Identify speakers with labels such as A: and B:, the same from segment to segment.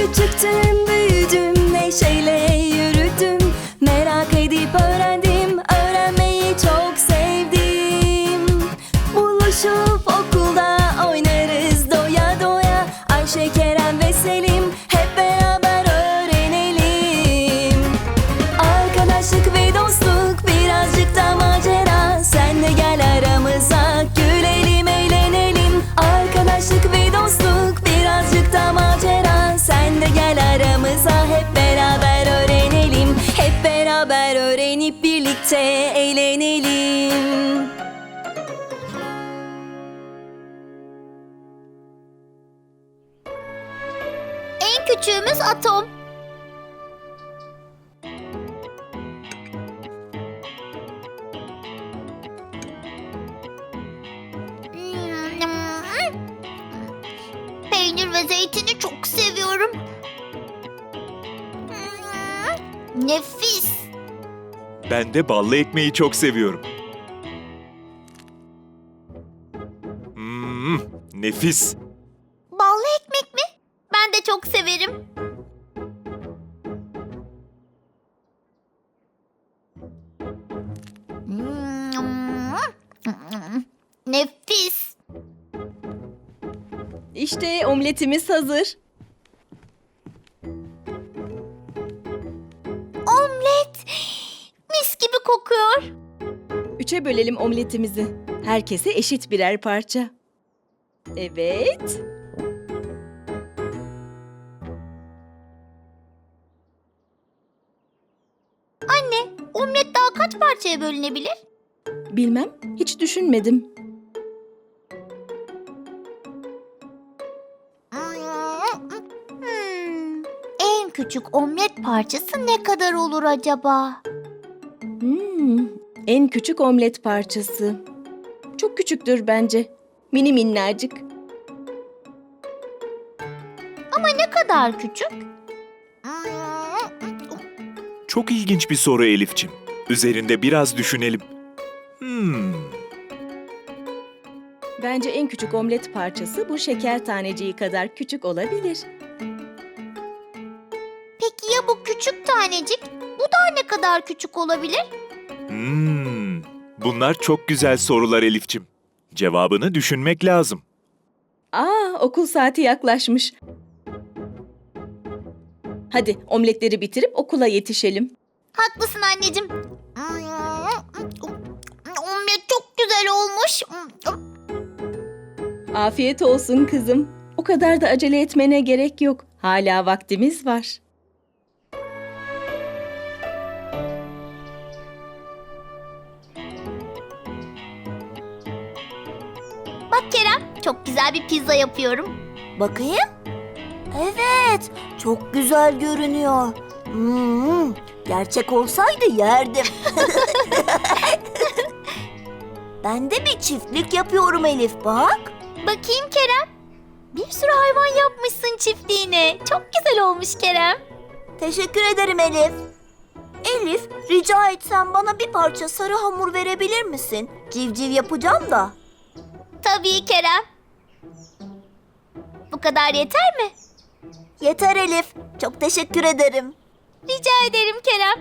A: Küçüktüm, büyüdüm, neşeyle yürüdüm. Merak edip öğrendim, öğrenmeyi çok sevdim. Buluşup okulda oynarız doya doya. Ayşe, Kerem ve Selim hep beraber öğrenelim. Arkadaşlık ve dostluk, birazcık da macera. Sen de gel aramıza, gülelim, eğlenelim. Arkadaşlık ve dostluk, birazcık da macera. Sen de gel aramıza, hep beraber öğrenelim. Hep beraber öğrenip birlikte eğlenelim.
B: En küçüğümüz atom. Peynir ve zeytini çok seviyorum. Nefis.
C: Ben de ballı ekmeği çok seviyorum. Nefis.
B: Ballı ekmek mi? Ben de çok severim. Nefis.
A: İşte omletimiz hazır.
B: Omlet. Mis gibi kokuyor.
A: 3'e bölelim omletimizi. Herkese eşit birer parça. Evet.
B: Anne, omlet daha kaç parçaya bölünebilir?
A: Bilmem, hiç düşünmedim.
B: En küçük omlet parçası ne kadar olur acaba?
A: En küçük omlet parçası. Çok küçüktür bence. Mini minnacık.
B: Ama ne kadar küçük?
C: Çok ilginç bir soru Elifçim. Üzerinde biraz düşünelim.
A: Bence en küçük omlet parçası bu şeker taneciği kadar küçük olabilir.
B: Peki ya bu küçük tanecik? Bu da ne kadar küçük olabilir?
C: Bunlar çok güzel sorular Elifçim. Cevabını düşünmek lazım.
A: Okul saati yaklaşmış. Hadi omletleri bitirip okula yetişelim.
B: Haklısın anneciğim. Omlet çok güzel olmuş.
A: Afiyet olsun kızım. O kadar da acele etmene gerek yok. Hala vaktimiz var.
B: Bak Kerem, çok güzel bir pizza yapıyorum.
D: Bakayım. Evet, çok güzel görünüyor. Gerçek olsaydı yerdim. Ben de bir çiftlik yapıyorum Elif, bak.
B: Bakayım Kerem. Bir sürü hayvan yapmışsın çiftliğine. Çok güzel olmuş Kerem.
D: Teşekkür ederim Elif. Elif, rica etsem bana bir parça sarı hamur verebilir misin? Civciv yapacağım da.
B: Tabii Kerem. Bu kadar yeter mi?
D: Yeter Elif, çok teşekkür ederim.
B: Rica ederim Kerem.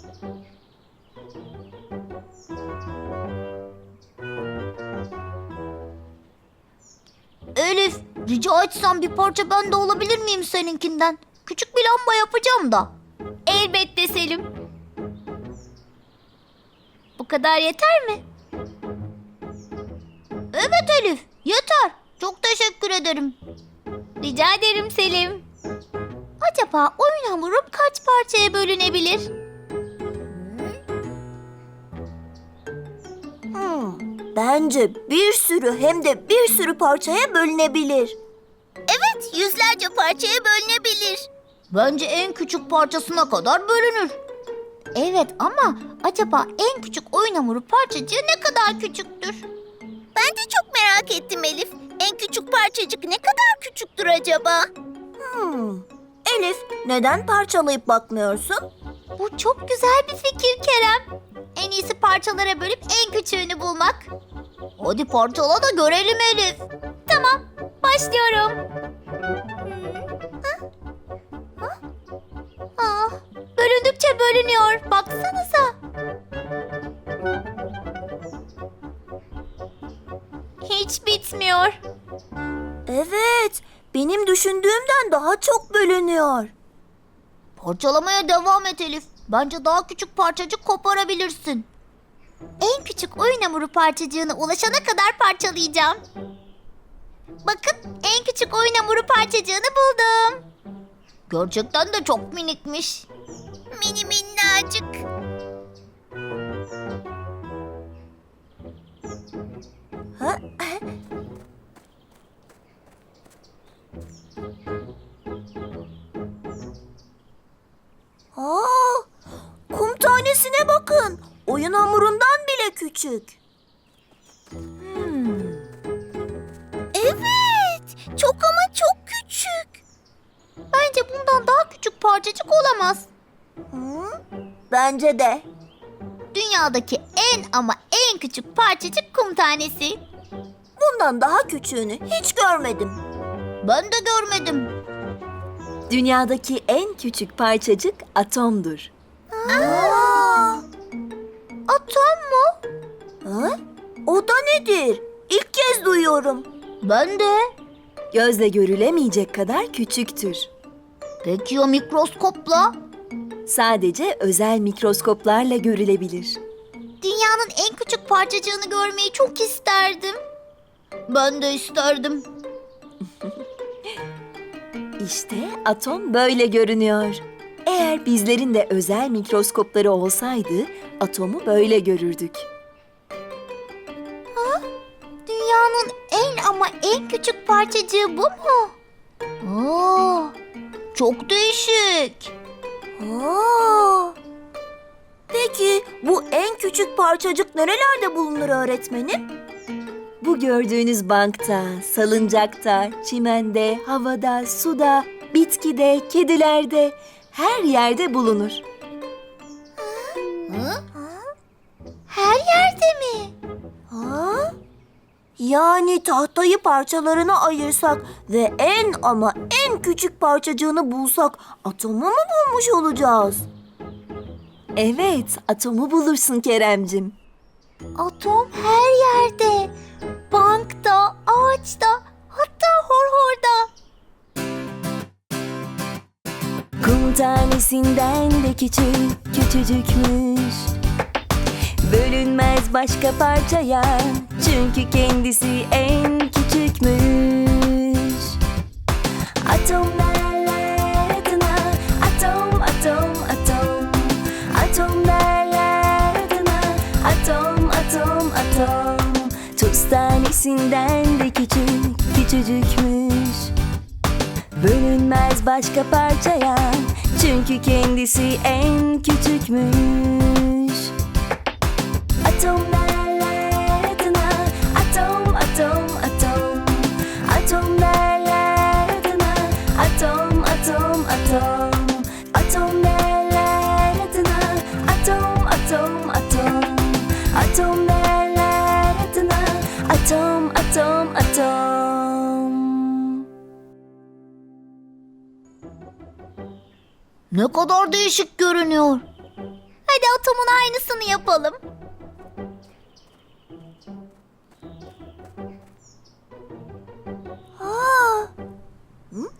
B: Elif, rica etsem bir parça ben de olabilir miyim seninkinden? Küçük bir lamba yapacağım da. Elbette Selim. Bu kadar yeter mi? Evet Elif, yeter. Çok teşekkür ederim. Rica ederim Selim. Acaba oyun hamurum kaç parçaya bölünebilir?
D: Bence bir sürü hem de bir sürü parçaya bölünebilir.
B: Evet, yüzlerce parçaya bölünebilir. Bence en küçük parçasına kadar bölünür. Evet ama acaba en küçük oyun hamuru parçacığı ne kadar küçüktür? Ben de çok merak ettim Elif. En küçük parçacık ne kadar küçüktür acaba?
D: Elif, neden parçalayıp bakmıyorsun?
B: Bu çok güzel bir fikir Kerem. En iyisi parçalara bölüp en küçüğünü bulmak. Hadi parçala da görelim Elif. Tamam, başlıyorum. görünüyor. Baksanıza. Hiç bitmiyor.
D: Evet, benim düşündüğümden daha çok bölünüyor.
B: Parçalamaya devam et Elif. Bence daha küçük parçacık koparabilirsin. En küçük oyun hamuru parçacığına ulaşana kadar parçalayacağım. Bakın, en küçük oyun hamuru parçacığını buldum. Gerçekten de çok minikmiş. Mini minnacık.
D: Aa, kum tanesine bakın. Oyun hamurundan bile küçük.
B: Evet, çok ama çok küçük. Bence bundan daha küçük parçacık olamaz.
D: Hı? Bence de.
B: Dünyadaki en ama en küçük parçacık kum tanesi.
D: Bundan daha küçüğünü hiç görmedim.
B: Ben de görmedim.
E: Dünyadaki en küçük parçacık atomdur.
D: Aa,
B: Atom mu?
D: ha? O da nedir? İlk kez duyuyorum.
B: Ben de.
E: Gözle görülemeyecek kadar küçüktür.
B: Peki ya mikroskopla?
E: Sadece özel mikroskoplarla görülebilir.
B: Dünyanın en küçük parçacığını görmeyi çok isterdim. Ben de isterdim.
E: İşte atom böyle görünüyor. Eğer bizlerin de özel mikroskopları olsaydı atomu böyle görürdük.
B: Dünyanın en ama en küçük parçacığı bu mu? Aa, çok değişik.
D: Aa. Peki bu en küçük parçacık nerelerde bulunur öğretmenim?
E: Bu gördüğünüz bankta, salıncakta, çimende, havada, suda, bitkide, kedilerde, her yerde bulunur.
B: Hı? Her yerde mi?
D: Ha? Yani tahtayı parçalarına ayırsak ve en ama en küçük parçacığını bulsak atomu mu bulmuş olacağız?
E: Evet, atomu bulursun Keremcim.
B: Atom her yerde. Bankta, ağaçta, hatta horhorda.
E: Kum tanesinden de küçük, küçücükmüş. Bölünmez başka parçaya, çünkü kendisi en küçükmüş. Atom derler adına, atom, atom, atom. Atom derler adına, atom, atom, atom. Tuz tanesinden de küçük, küçücükmüş. Bölünmez başka parçaya, çünkü kendisi en küçükmüş. Atom derler adına, atom, atom, atom. Atom derler adına, atom, atom, atom. Atom derler adına, atom, atom, atom. Atom derler adına, atom, atom, atom.
B: Ne kadar değişik görünüyor. Hadi atomun aynısını yapalım.
D: Aa. Hı?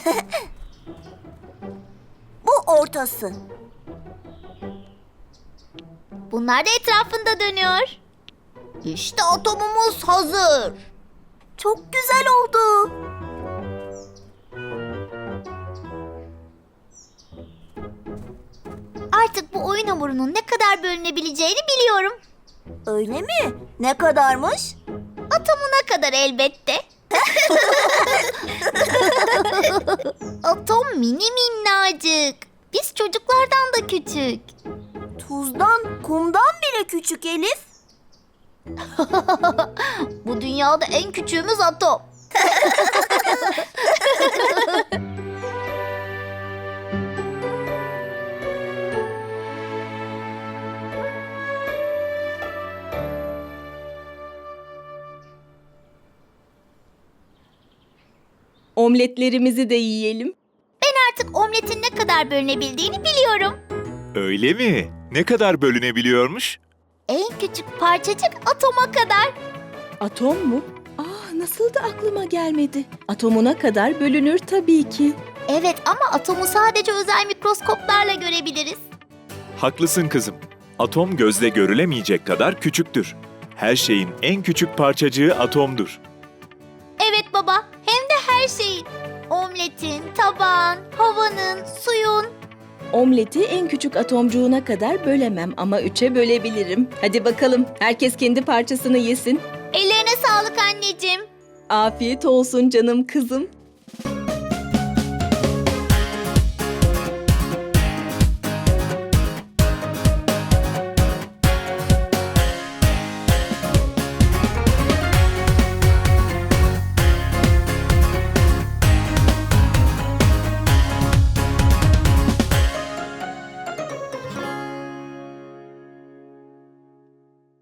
D: Bu ortası.
B: Bunlar da etrafında dönüyor. İşte atomumuz hazır.
D: Çok güzel oldu.
B: Artık bu oyun hamurunun ne kadar bölünebileceğini biliyorum.
D: Öyle mi? Ne kadarmış?
B: Atomuna kadar elbette. Atom mini minnacık. Biz çocuklardan da küçük.
D: Tuzdan, kumdan bile küçük Elif.
B: Bu dünyada en küçüğümüz atom.
A: Omletlerimizi de yiyelim.
B: Ben artık omletin ne kadar bölünebildiğini biliyorum.
C: Öyle mi? Ne kadar bölünebiliyormuş?
B: En küçük parçacık atoma kadar.
A: Atom mu? Nasıl da aklıma gelmedi. Atomuna kadar bölünür tabii ki.
B: Evet ama atomu sadece özel mikroskoplarla görebiliriz.
C: Haklısın kızım. Atom gözle görülemeyecek kadar küçüktür. Her şeyin en küçük parçacığı atomdur.
B: Evet baba, hem de her şeyin. Omletin, tabağın, havanın, suyun.
A: Omleti en küçük atomcuğuna kadar bölemem ama 3'e bölebilirim. Hadi bakalım, herkes kendi parçasını yesin.
B: Ellerine sağlık anneciğim.
A: Afiyet olsun canım kızım.